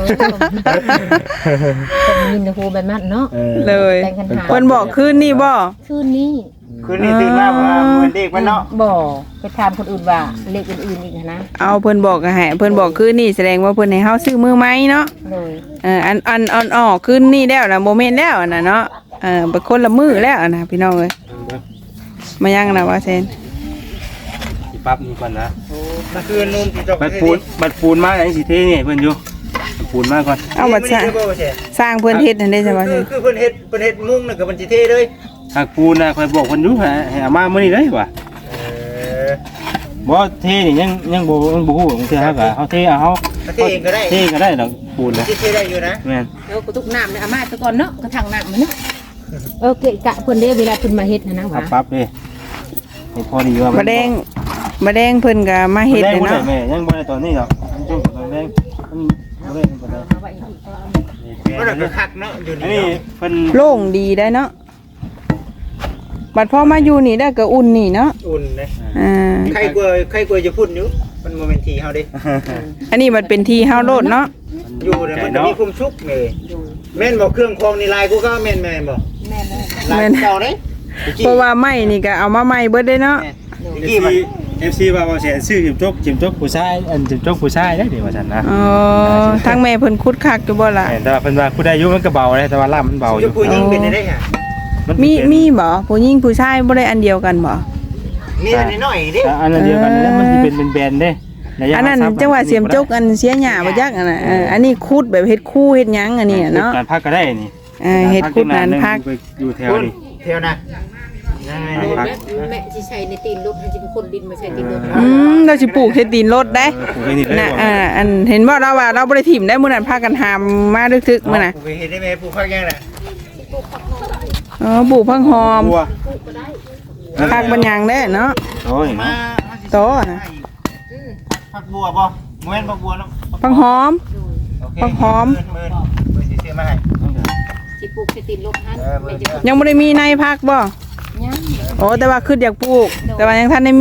Speaker 2: ต้องมีนะครูแบบนั้นเนาะ
Speaker 3: เออ
Speaker 1: เลย
Speaker 2: แต่งกันหา
Speaker 1: เพิ่นบอกคืนนี่บ่
Speaker 2: คืนนี้
Speaker 4: คืนนี้ตื่นมาว่าเหมือนเด็กมันเนาะ
Speaker 2: บ่ไปถามคนอื่นว่าเลขอื่นๆอีกนะ
Speaker 1: เอาเพิ่นบอกก็ให้เพิ่นบอกคืนนี่แสดงว่าเพิ่นให้เฮาซื้อมือไม้เนาะ
Speaker 2: เลย
Speaker 1: เอออันอันอันออกคืนนี่แล้วนะโมเมนต์แล้วน่ะเนาะเออเป็นคนละมือแล้วนะพี่น้องเอ้ยมายังนะว่าเซน
Speaker 3: สิปั๊บนี่ก่อนนะ
Speaker 4: มันคืนนุ่มที่จบ
Speaker 3: บัดปูนบัดปูนมาไหนสิเทนี่เพิ่นอยู่บัดปูนมาก่อน
Speaker 1: เอาบัดสร้างสร้างเพิ่นเฮ็ดนั่นได้ใช่บ่เซ
Speaker 4: คือน คือเพิ่นเฮ็ดเพิ่นเฮ็ดมุ้งน่ะก็มันสิเทเลย
Speaker 3: หากปูนน่ะข่อยบอกเพิ่นอยู่ให้ให้เอามามื้อนี้เลยว่ะ
Speaker 4: เออ
Speaker 3: บ่เทนี่ยังยังบ่ยังบ่ฮู้บางเทื่อเฮาก็เฮาเทเอาเฮา
Speaker 4: เทเองก็ได้
Speaker 3: เทก็ได้ดอกปูนน่ะ
Speaker 4: สิเทได้อยู่นะ
Speaker 3: แม่น
Speaker 2: แล้วก็ตุกน้ำเนี่ยอามาตะก่อนเนาะกระถางน้ำมันเนาะเออเกะกะเพิ่นได้เวลาเพิ่นมาเฮ็ดนะนะ
Speaker 3: เอา
Speaker 2: ว่า
Speaker 3: ปั๊บเด้ให้พอดีว่า
Speaker 1: บ่แดงบ่แดงเพิ่นก็มาเฮ็ด
Speaker 3: แด
Speaker 1: เลย
Speaker 3: งบ่ได้
Speaker 1: เนาะ
Speaker 3: แม่ยังบ่ได้ตอนนี้ดอกช่วงตอนแดงมันบ่ได้บ่ได้
Speaker 4: มันก็คักเนาะอยู่
Speaker 3: อัน
Speaker 4: นี่
Speaker 3: นี้เพิ่น
Speaker 1: โล่งดีได้เนาะบัดพอมาอยู่นี่ได้ก็อุ่นนี่เนาะ
Speaker 4: อุ่นเลย
Speaker 1: อ่า
Speaker 4: ใครกลัวใครกลัวจะพูดอยู่มันโมเมนต์ทีเฮาดิ
Speaker 1: อันนี้มันเป็นที่เฮาโลดเนาะ
Speaker 4: อยู่เนี่ยมันจะมีคุ้มชุกเลยแม่นบอกเครื่องคองนี่ลายกูก็แม่นแม่นบอก
Speaker 2: แม่แม่
Speaker 4: ลายเก่าเด้
Speaker 1: เพราะว่าไม้นี่ก็เอามาใหม่เบิดได้เนาะ
Speaker 3: เอฟซีเอฟซีว่าว่าเสียชื่อจิมจกจิมจกผู้ชายอันจิมจกผู้ชายได้เดี๋ยวว่าซั่นนะ
Speaker 1: อ๋อทางแม่เพิ่นคุดคักอยู่บ่ล่ะ
Speaker 3: แต่ว่าเพิ่นว่าผู้ใดอายุมันก็เบาเลยแต่ว่าล่ามมันเบาอ
Speaker 4: จะ
Speaker 3: ยู่
Speaker 4: พูดยิงเป็นได้ค่ะ
Speaker 1: มีมีบ่ผู้หญิงผู้ชายบ่ได้อันเดียวกันบ่
Speaker 4: มีอันนี้หน่อยดิ
Speaker 3: อันนั้นเดียวกันนี่มันสิเป็นเป็นแบนเด้
Speaker 1: อันนั้นจังหวะเสียมจกอันเสียหญ้าบ่จักอันน่ะเอออันนี้คุดแบบเฮ็ดคู่เฮ็ดหยังอันนี้น่ะเนาะ
Speaker 3: การพักก็ได้นี่
Speaker 1: เออเฮ็ดคุดนานพัก
Speaker 3: อยู่แถวนี้
Speaker 4: เที่ยวนะ
Speaker 2: แม่แม่สิใช้ในตีนรถให้สิเป็นคนดินมาใช้ตีนรถ
Speaker 1: อืมเราสิปลูกเฮ็ดตีนรถได้
Speaker 3: ปลูกให้นี่เลย
Speaker 1: น่ะอ่าอันเห็นบ่เราว่าเราบ่ได้ถิ่มได้มื้อนั้นพากันหามมาดึกๆมื้อน่ะ
Speaker 4: กูไปเห็นได้ไหมปลูกพักยังน่ะ
Speaker 1: อ๋อปลูกพังหอม
Speaker 3: บัว
Speaker 1: พักบัญญังได้เนาะ
Speaker 3: โอ้ย
Speaker 4: มา
Speaker 1: โตน่ะ
Speaker 4: พักบัวบ่โมเมนต์พักบัวเนาะ
Speaker 1: พังหอม พักหอม
Speaker 4: เมินเมินสิซื้อมาให้
Speaker 2: สิปลูกใช้ตีนรถให้แม่จะ
Speaker 1: ยังบ่ได้มีในพักบ่
Speaker 2: ยัง
Speaker 1: โอ้แต่ว่าคืออยากปลูก แต่ว่ายังทันได้มี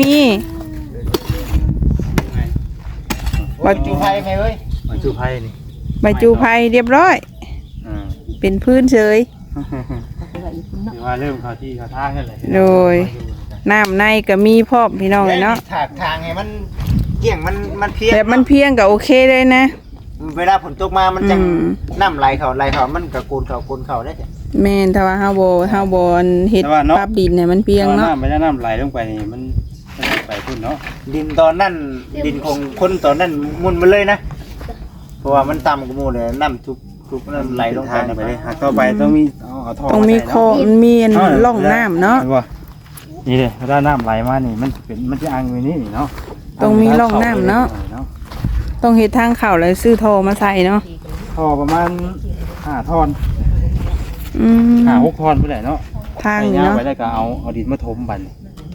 Speaker 4: ว่าจูไฟไหมเว้ย
Speaker 3: มาจูไผ่นี่
Speaker 1: ใบจูไผ่เรียบร้อย
Speaker 3: อืม
Speaker 1: เป็นพื้นเฉย
Speaker 3: ถือว่าเริ่มเข้าที่เข้าทางกันเลย
Speaker 1: โดย น้ำในก็มีพร้อมพี่น้องเลยเนาะ
Speaker 4: ถากทางให้มันเกี่ยงมันมันเพี้ยน
Speaker 1: แบบมันเพียงก็โอเคเลยนะ
Speaker 4: เวลาฝนตกมามันจัง
Speaker 1: อืม
Speaker 4: น้ำไหลเขาไหลเขามันก็กูนเขากูนเขาได้จ้ะ
Speaker 1: แม่นถ้าว่าเฮาบ่เฮาบ่เฮ็ดปรับดินให้มันเพียงเนาะ
Speaker 3: น้ำไม่ได้น้ำไหลลงไปนี่มันมันไปพุ่นเนาะ
Speaker 4: ดินตอนนั้นดินของคนตอนนั้นมุนมาเลยนะ เพราะว่ามันต่ำกว่าหมู่เลยน้ำทุกทุกน้ำไหลลงไป
Speaker 3: ทาง
Speaker 4: นะ
Speaker 3: ไปเลยหากต่อไปต้องมีเอาเอาท่อ
Speaker 1: ต้องมี
Speaker 3: าใส่
Speaker 1: โคมันมีอันร่องน้ำเนาะ
Speaker 3: ห็บ่นี่เลยถ้าน้ำไหลมานี่มันเป็นมันจะอังอยู่นี่เนาะ
Speaker 1: ต้องมีร่องน้ำเนาะ ต้องเฮ็ดทางเข้าแล้วซื้อท่อมาใส่เนาะ
Speaker 3: ท่อประมาณห้าท่อน
Speaker 1: อืม
Speaker 3: ห้าหกท่อนไปไหนเนาะ
Speaker 1: ทาง
Speaker 3: ไป
Speaker 1: นี่
Speaker 3: ย่าง
Speaker 1: เนาะ
Speaker 3: ไปแล้วก็เอาเอาดินมาถมบัดน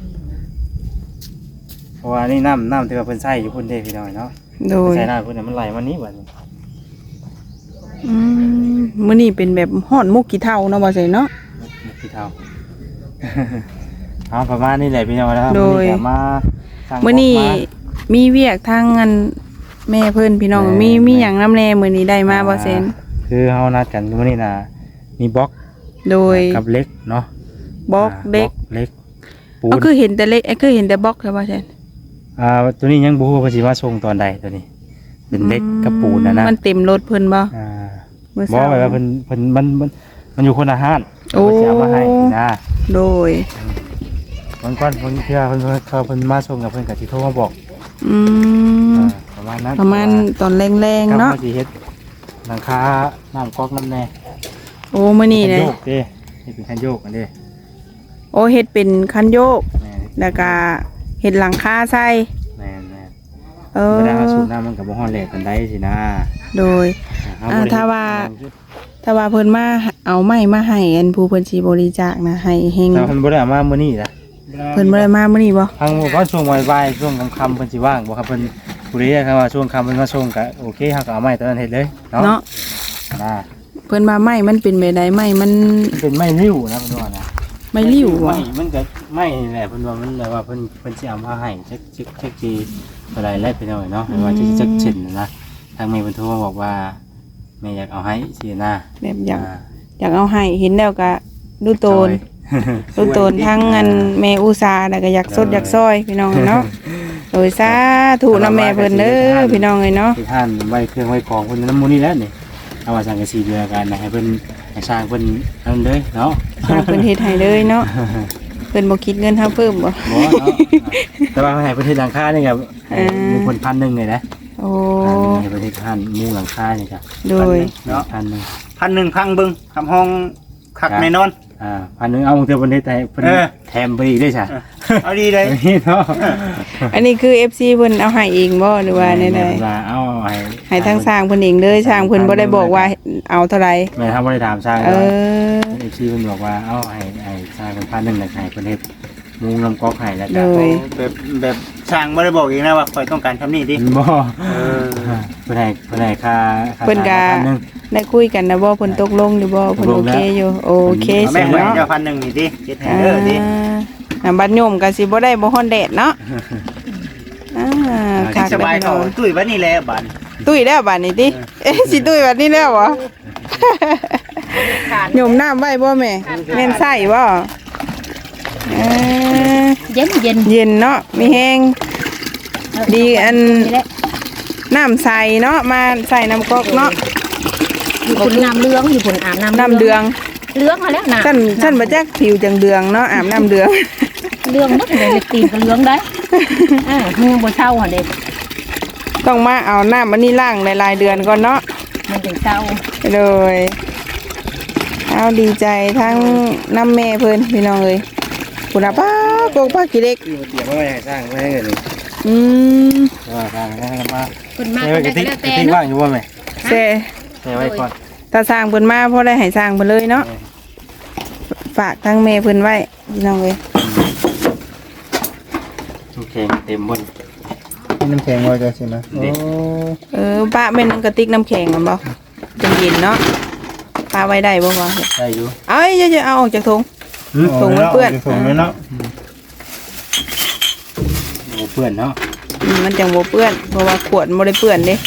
Speaker 3: เพราะว่านี่น้ำน้ำที่ว่าเพิ่นใส่อยู่พุ่นเด้พี่น้อยเนาะ
Speaker 1: โดย
Speaker 3: ใส่น้ำพุ่นเนี่ยมันไหลมานี้บัดนี้
Speaker 1: อืมมื้อนี้เป็นแบบฮ้อนมุกกี่เท่าเนาะบ่ใช่เนาะ
Speaker 3: มุกที่เท่า เอาประมาณนี้แหละพี่น้อยนะครับ
Speaker 1: โดย
Speaker 3: มื้อนี้ก็มาสร้าง
Speaker 1: มื้อนี้
Speaker 3: ครบมา
Speaker 1: มีเวียกทางอันแม่เพิ่นพี่น้อง
Speaker 3: แม่
Speaker 1: มีมีหยังนำแน่มื้อนี้ได้มาบ่เซน
Speaker 3: คือเฮานัดกันมื้อนี้น่ะมีบล็อก
Speaker 1: โดย
Speaker 3: กับเล็กเนาะ
Speaker 1: บล็อกเด็ก
Speaker 3: บล็อกเล็กปูน
Speaker 1: ก็คือเห็นแต่เล็กไอ้คือเห็นแต่บล็อกใช่บ่เซน
Speaker 3: อ่าตัวนี้ยังบ่ฮู้ว่าเพิ่นสิมาส่งตอนใดตัวนี้ เป็นเล็กกับปูนนะนะ
Speaker 1: มันเต็มรถเพิ่นบ่
Speaker 3: อ่า
Speaker 1: มื้อ
Speaker 3: บ่
Speaker 1: เช้า
Speaker 3: ไว้ว่าเพิ่นเพิ่นมันมันมันอยู่คนละห้าน
Speaker 1: โอ้
Speaker 3: เพิ่นสิเอามาให้นะ
Speaker 1: โดย
Speaker 3: มันก่อนเพิ่นเทื่อเพิ่นเพิ่นเขาเพิ่นมาส่งกับเพิ่นก็สิโทรมาบอก
Speaker 1: อืม
Speaker 3: อ่าประมาณนั้น
Speaker 1: ประมาณตอนแรง
Speaker 3: ครับ
Speaker 1: ๆเนาะ
Speaker 3: ว่าสิเฮ็ดหลังคาน้ำก๊อกน้ำแน่
Speaker 1: โอ้มื้อนี้
Speaker 3: คั
Speaker 1: เลย
Speaker 3: โยกเด้เฮ็ดเป็นคันโยกอันเด้
Speaker 1: โอ้เฮ็ดเป็นคันโยก
Speaker 3: แม่
Speaker 1: แล้วก็เฮ็ดหลังคาใส่
Speaker 3: แม่แม่
Speaker 1: เออ
Speaker 3: เวลาเราสูบน้ำมันก็บ่ฮ้อนแลกปานใดสินะ
Speaker 1: โดย
Speaker 3: เร
Speaker 1: อ่า
Speaker 3: บ่ได้
Speaker 1: ถ้าว่า ถ้าว่าเพิ่นมาเอาไม้มาให้อันผู้เพิ่นสิบริจาคนะให้เฮง
Speaker 3: แต่เพิ่นบ่ได้เอามามื้อนี้ล่ะ
Speaker 1: เพิ่นบ่ได้มามื้อนี้บ่
Speaker 3: ทางหมู่บ้านช่วงบ่ายๆช่วงค่ำๆเพิ่นสิว่างบ่ครับเพิ่นผู้ใดครับว่าช่วงค่ำเพิ่นมาส่งก็โอเคเฮาก็เอาไม้ตอนนั้นเฮ็ดเลยเนาะ
Speaker 1: เนาะ
Speaker 3: นะ
Speaker 1: เพิ่นว่าไม้มันเป็นแบบใดไม้มัน
Speaker 3: เป็นไม้ริ้วนะเพิ่นว่านะ
Speaker 1: ไม้ริ้วบ่
Speaker 3: ไม้มันก็ไม้นี่แหละเพิ่นว่ามันแบบว่าเพิ่นเพิ่นสิเอามาให้จักจักจักสิเท่าใดแล้วพี่น้อยเนาะว่าจักจักเช่นนะนะางแม่เพิ่นโทรมาบอกว่าแม่อยากเอาให้สินะ
Speaker 1: แบบอยากอยากเอาให้เห็นแล้วก็ดูโตน
Speaker 3: จอย
Speaker 1: ดูโตนทั้งเงินแม่อุตสาห์แล้วก็อยากสดอยากซอยพี่น้องเนาะโดยสาธุนำแม่เพิ่นเด้อพี่น้องเอ้ยเนาะ
Speaker 3: ที่ท่านไว้เครื่องไว้ของเพิ่นน้ำมูนี่แหล้วนี่เอาว่าสังกะสีเดือกันนะให้เพิ่นให้สร้างเพิ่นนั่นเด้อเนาะ
Speaker 1: สร้างเพิ่นเฮ็ดให้เลยเนาะเพิ่นบ่คิดเงินเฮาเพิ่มบ่
Speaker 3: บ่เนาะแต่ว่าให้เพิ่นเฮ็ดหลังคานี่ก็ให้มีคนพันหนึงเลยนะ
Speaker 1: โอ้
Speaker 3: ให้เพิ่นเฮ็ดพันมุงหลังคานี่ก็
Speaker 1: โดย
Speaker 3: เนาะพันหนึง
Speaker 4: พันหนึ่งพังเบึงทำห้องคักแน่นอน
Speaker 3: อ่าพันหนึงเอาเทื่อเพิ่นเฮ็ดให้เพิ่น
Speaker 4: เออ
Speaker 3: แถมไปอีกได้ซะ
Speaker 4: เอาดีเลย
Speaker 3: เนาะ
Speaker 1: อันนี้คือ เอฟ ซี เพิ่นเอาให้เองบ่หรือว่าแนวใด
Speaker 3: ว่าเอาให้
Speaker 1: ให้ทางสร้างเพิ่นเองเลยสร้างเพิ่นบ่ได้บอกว่าเอาเท่าไหร่
Speaker 3: แม่ทำบ่ได้ถามสร้าง
Speaker 1: เอ
Speaker 3: เนาะ
Speaker 1: อ
Speaker 3: เอฟซีเพิ่นบอกว่าเอาให้ให้สร้างเป็นพันหนึงแล้วให้เพิ่นเฮ็ดมุงลำกอกให้แล้ว
Speaker 1: โด
Speaker 3: ก็
Speaker 1: ย
Speaker 4: แบบแบบช่างไม่ได้บอกเองนะว่าคอยต้องการทำนี่ดิ
Speaker 3: บ่
Speaker 4: เออ
Speaker 3: เพิ่นให้เพิ่นให้ค่าค่า
Speaker 1: เพิ่นก็
Speaker 3: พันหนึง
Speaker 1: ได้คุยกันนะบ่เพิ่นตกลงอยู่บ่เพิ่นโอเคอยู่โอเค
Speaker 4: เอา
Speaker 1: สิ
Speaker 4: แม่ให้
Speaker 1: เนาะ
Speaker 4: เจ้าพันหนึ่งนี่ดิเจ็ดแห่
Speaker 1: อ่
Speaker 4: เด้อดิ
Speaker 1: าอ่าบัดโยมก็สิบ่ได้บ่ฮ้อนแดดเนาะอ่าคัก
Speaker 4: สบาย
Speaker 1: เด้
Speaker 4: เขา
Speaker 1: อ
Speaker 4: ตุ้ยวันนี้แหละบัน
Speaker 1: ตุ้ยแล้วบัดนี้ติเอ๊ะสิตุ้ยบัดนี้แล้วเหรอ
Speaker 2: ขาด
Speaker 1: โยมน้ำไว้บ่แม่แม่นใส่บ่เออ
Speaker 2: เย็นเย็น
Speaker 1: เย็นเนาะมีแฮงดีอัน
Speaker 2: นี่แหละ
Speaker 1: น้ำใสเนาะมาใส่น้ำก๊อกเนาะ
Speaker 2: อยู่บนน้ำเลืองอยู่บนอาบน้ำ
Speaker 1: น้ำเดือง
Speaker 2: เลืองมาแล้วนะ
Speaker 1: ฉันฉันบ่จักผิวจังเดืองเนาะอาบน้ำเดือง
Speaker 2: เลืองนักเลยตีนก็เลืองได้อ่ามือบนเช่าหันเด็ก
Speaker 1: ต้องมาเอาน้ำอันนี้ล้างหลายๆเดือนก่อนเนาะ
Speaker 2: มันถึงเช่า
Speaker 1: เลยเอาดีใจทั้งน้ำแม่เพิ่นพี่น้องเอ้ยคุณป้าโกกป้ากี่เล็ก
Speaker 3: เตรียมไว้ให้สร้างไว้ให้เงิน
Speaker 1: อืม
Speaker 3: ว่าสร้างให้มา
Speaker 2: คนมาก
Speaker 3: ให้
Speaker 2: ก็
Speaker 3: ไว้ก
Speaker 2: ได้
Speaker 3: ระติก
Speaker 2: แล้ว
Speaker 3: ก
Speaker 2: แต่
Speaker 3: ระติก
Speaker 2: เนาะ
Speaker 3: ว่างอยู่บ่แม่
Speaker 1: เซ่
Speaker 3: ให้ไว้ก่อน
Speaker 1: ถ้าสร้างเพิ่นมาพอได้ให้สร้างเพิ่นเลยเนาะฝากทั้งแม่เพิ่นไว้พี่น้องเอ้ย
Speaker 3: โอเคเต็มบน
Speaker 4: น้ำแข็งไว้จะใช่ไหมโอ้
Speaker 1: เออป้าเป็นกระติกน้ำแข็งมันบ่เป็นเย็นเนาะป้าไว้ได้บ่วะ
Speaker 3: ได้อยู่
Speaker 1: เอ้ยอย่าๆเอาออกจากถุง ถุงมันเปื้อน
Speaker 4: ถุงมันเนาะ
Speaker 3: โอ้เปื้อนเนาะ
Speaker 1: อืมมันจังบ่เปื้อนเพราะว่าขวดบ่ได้เปื้อนเด้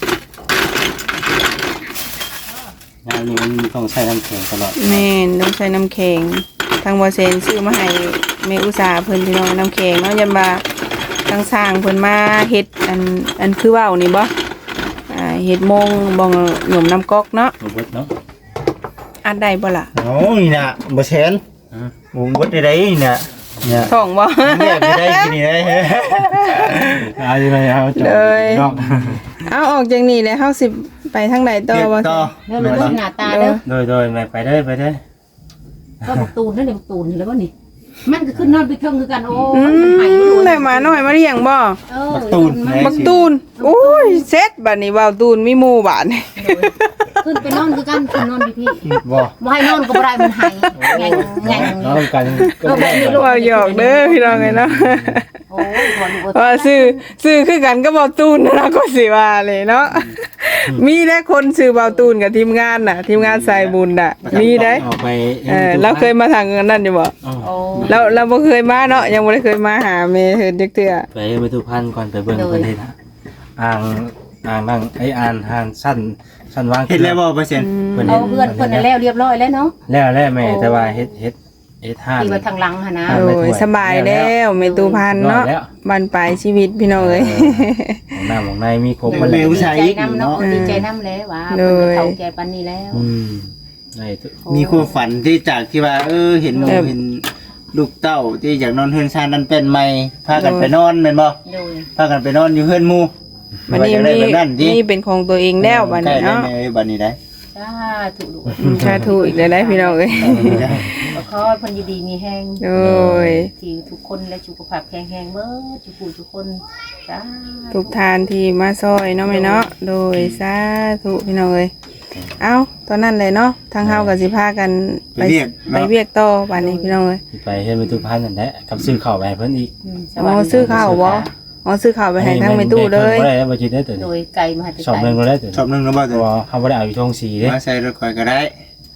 Speaker 3: งานนี้มันต้องใช้น้ำแข็งตลอด
Speaker 1: แม่นต้องใช้น้ำแข็งทางบ่เซนซื้อมาให้แม่อุตสาห์เพิ่นพี่น้องน้ำแข็งเนาะยามว่าทางสร้างเพิ่นมาเฮ็ดอันอันคือเว้านี่บ่อ่าเฮ็ดโมงบ่งหยมน้ำก๊อกเนาะ
Speaker 3: โอ้เบิดเนาะ
Speaker 1: อัดได้บ่ล่ะ
Speaker 4: โอ้ยน่ะบ่แชนหมุนวัดได้ไดนี่น่ะเนี่ย
Speaker 1: ท้องบ่
Speaker 4: เนี่ยไปได้กินนี่ได้
Speaker 3: เอาอยู่ไหนเอาจอด
Speaker 1: เลย
Speaker 3: เนาะ
Speaker 1: เอาออกจากนี่แล้วเฮาสิไปทางใดต่อบ่
Speaker 4: ต่อ
Speaker 2: เรื่องมันหน้าตาเด้อ
Speaker 3: โดยโดยแม่ไปได้ไปได้
Speaker 2: ก็บอกตูนนั่นเองตูนแล้วก็นี่มันก็ขึ้นนอนไปเทิงคือกันโอ้
Speaker 1: อื
Speaker 2: ยมันหาย
Speaker 1: มได้มาน้อยมาเลี้ยงบ่
Speaker 2: เออ
Speaker 4: บักตูน
Speaker 1: บักตูนโอ้ยเซ็ตบัดนี้ว่าวตูนมีหมู่บาดนี่
Speaker 2: ขึ้นไปนอนคือกันขึ้นนอนพี่พี่
Speaker 3: บ่
Speaker 2: บ่ให้นอนก็บ่ได้มันหายแงงแงง
Speaker 3: น้องกันก็ได้
Speaker 1: ว่าวหยอกเด้อพี่น้องเอ้ยเนาะ
Speaker 2: โอ้ยบ่รู้
Speaker 1: ว่าซื้อซื้อคือกันก็เบาตูนนะนะก็สิว่าเลยเนาะมีได้คนซื้อเบาตูนกับทีมงานน่ะ ทีมงานสายบุญน่ะ มีได้
Speaker 3: ออกไป
Speaker 1: เออเราเคยมาทางนั้นอยู่บ่
Speaker 3: อ๋อ
Speaker 2: โอ้
Speaker 1: เราเราบ่เคยมาเนาะยังบ่ได้เคยมาหาเมย์เฮ็ดจักเทื่อ
Speaker 3: ไปไปทุกพันก่อนไปเบิ่งประเทศอ่างอ่างนั่งไอ้อ่านหานสั้นสั้นวาง
Speaker 4: เห็นแล้วบ่เปอร์เซ็นต์
Speaker 3: เพิ่น
Speaker 2: เอา
Speaker 3: เฮ็ด
Speaker 2: เพื่อนเพิ่นน่ะแล้วเรียบร้อยแล้วเนาะ
Speaker 3: แล้วแล้วแม่แต่ว่าเฮ็ดเฮ็ดเฮ็ดห้าน
Speaker 2: ที่ว่าทางหลังหั่นนะ
Speaker 3: อ่า
Speaker 1: โอ้ยสบายแล้วเมตูพันเนาะบันปลายชีวิตพี่น้องเอ้ย
Speaker 3: ของหน้าของในมีครบ
Speaker 4: มั
Speaker 3: มาน
Speaker 4: เร็
Speaker 3: แล้ว
Speaker 4: ว ใช้
Speaker 2: ดีใจน้ำเนาะดีใจน้ำแล้วว่าเพิ่นจะเข้าใจปานนี้แล้ว
Speaker 3: อืมได้ทุก
Speaker 4: มีความฝันที่จากที่ว่า เออเห็นหมู่
Speaker 1: เออ
Speaker 4: เห็นลูกเต้าที่อยากนอนเฮือนชานนั้นเป็นใหม่พากันไปนอนแม่นบ่
Speaker 2: โดย
Speaker 4: พากันไปนอนอยู่เฮือนหมู่
Speaker 1: วันนี้
Speaker 4: ว่า
Speaker 1: มี
Speaker 4: จะได้แบบนั้นติ
Speaker 1: นี่เป็นของตัวเองแล้วบัดนี้เนาะ
Speaker 4: ใกล้ได้ไหมบัดนี้ได้
Speaker 2: สาธุลูก
Speaker 1: อืมสาธุอีกได้พี่น้องเอ้ย
Speaker 2: ก็ขอให้เพิ่นอยู่ดีมีแฮง
Speaker 1: โดย
Speaker 2: ที่ทุกคนและสุขภาพแข็งแรงเบิดทุกผู้ทุกคนจ้า
Speaker 1: ทุกทานที่มาซอยเนาะแม่เนาะโดยสาธุพี่น้องเอ้ยเอ้าตอนนั้นเลยเนาะทางเฮาก็สิพากันไปไปเวียกต่อบัดนี้พี่น้องเอ้ย
Speaker 3: ไปเฮ็ดไปทุกพันนั่นแหละกับซื้อข้าวไปให้เพิ่นอีก
Speaker 1: อ๋อซื้อข้าวบ่อ๋อซื้อข้าวไปให้ทางแม่ตู้เลย
Speaker 3: บ่ได้แล้วบ่คิดได้ตัว
Speaker 2: โด
Speaker 3: นี้
Speaker 2: ยไก่มาให้
Speaker 3: ชอบนึงก็ได้ตัว
Speaker 4: ชอบนึงแล้วบ่
Speaker 3: ตัวเฮาบ่ได้เอาอยู่ทงสีเด้
Speaker 4: มาใส่รถข่อยก็ได้
Speaker 3: อ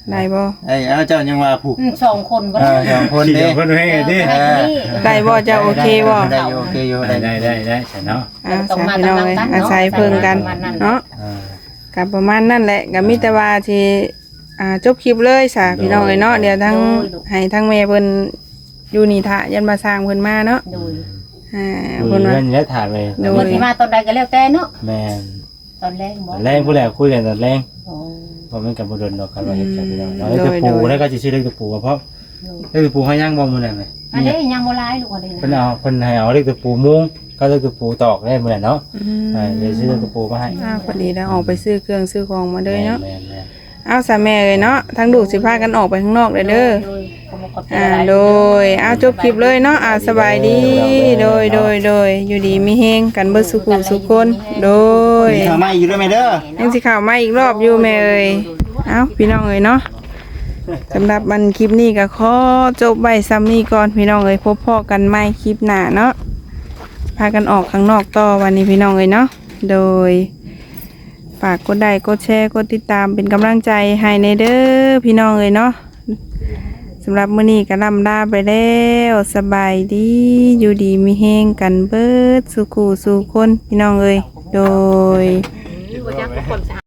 Speaker 1: ได้บ่
Speaker 4: ไอ้เอาเจ้ายังว่าผูก
Speaker 2: อืมสองคนบ่
Speaker 4: เออสองคน
Speaker 3: ขี่
Speaker 4: เด้
Speaker 3: เพิ่นให้ดิ
Speaker 2: เออ
Speaker 1: ได้บ่เจ้าโอเคบ่
Speaker 4: ได้อยู่โอเคอยู่
Speaker 3: ได้
Speaker 4: ได้
Speaker 3: ได้ได้ได้ใช่เนาะ
Speaker 1: อ่าสามพี่น้องเอ้ยอาศัยเพิ่งกันเนาะ
Speaker 3: อ่า
Speaker 1: ก็ประมาณนั่นแหละก็มีแต่ว่าที่อ่าจบคลิปเลยซะพี่น้องเอ้ยเนาะเดี๋ยวทั้งให้ทั้งแม่เพิ่นอยู่นี่ท่ายันมาสร้างเพิ่นมาเนาะ
Speaker 2: โดย
Speaker 1: อ่า
Speaker 3: ดู
Speaker 1: เพิ่นว่า
Speaker 3: เงินและถามเลย
Speaker 1: โด
Speaker 2: เพิ่นสิมาตอนใดก็แล้วแต่เนาะ
Speaker 3: แม่น
Speaker 2: ตอนแรกบ่
Speaker 3: ตอนแรงผู้แหลคุยกันตอนแรง
Speaker 2: โอ้
Speaker 3: บ่แม่นกับบ่ดนดอกกันว่าเฮ็ดจังพี่น้องเนาะเล็กตะปูแล้วก็สิชื่อเล็กตะปูเพราะ
Speaker 2: โดย
Speaker 3: เล็กตะปูเฮาย่างบ่มื้อนั้นแหละ
Speaker 2: อันนี้ยังบ่หลายลูกอันนี้
Speaker 3: เพิ่น
Speaker 2: นะ
Speaker 3: เอาเพิ่นให้เอาเล็กตะปูมุงก็เล็กตะปูตอกได้มื้อนั้นเนาะ
Speaker 1: อืม
Speaker 3: อ่าเดี๋ยวซื้อเล็กตะปูมาให้
Speaker 1: อ่าพอดีแล้วออกไปซื้อเครื่องซื้อของมาเด้อเนาะ
Speaker 3: แม่นแม่น
Speaker 1: เอาซะแม่เอ้ยเนาะทั้งลูกสิพากันออกไปข้างนอกเด้อเด้อ
Speaker 2: โดยขอบคุณขอบใจ
Speaker 1: อ่า
Speaker 2: หลาย
Speaker 1: โดยเอาจบคลิปเลยเนาะอ่าสบายดีโดยโดยโดยอยู่ดีมีเฮงกันเบิดสุขุสุขคนโดย
Speaker 4: มีข้าวไหม้อยู่ด้วยไหมเด้อ
Speaker 1: ยังสิข่าวมาอีกรอบอยู่แม่เอ้ยเอาพี่น้องเอ้ยเนาะสำหรับมันคลิปนี้ก็ขอจบไว้ซ้ำนี้ก่อนพี่น้องเอ้ยพบพ่อกันใหม่คลิปหน้าเนาะพากันออกข้างนอกต่อวันนี้พี่น้องเอ้ยเนาะโดยฝากกดไลค์กดแชร์กดติดตามเป็นกำลังใจให้ในเด้อพี่น้องเอ้ยเนาะสำหรับมื้อนี้ก็ล่ำลาไปแล้วสบายดีอยู่ดีมีแฮงกันเบิดสุขูสู่คนพี่น้องเอ้ยโดย
Speaker 2: บ่จักทุกคน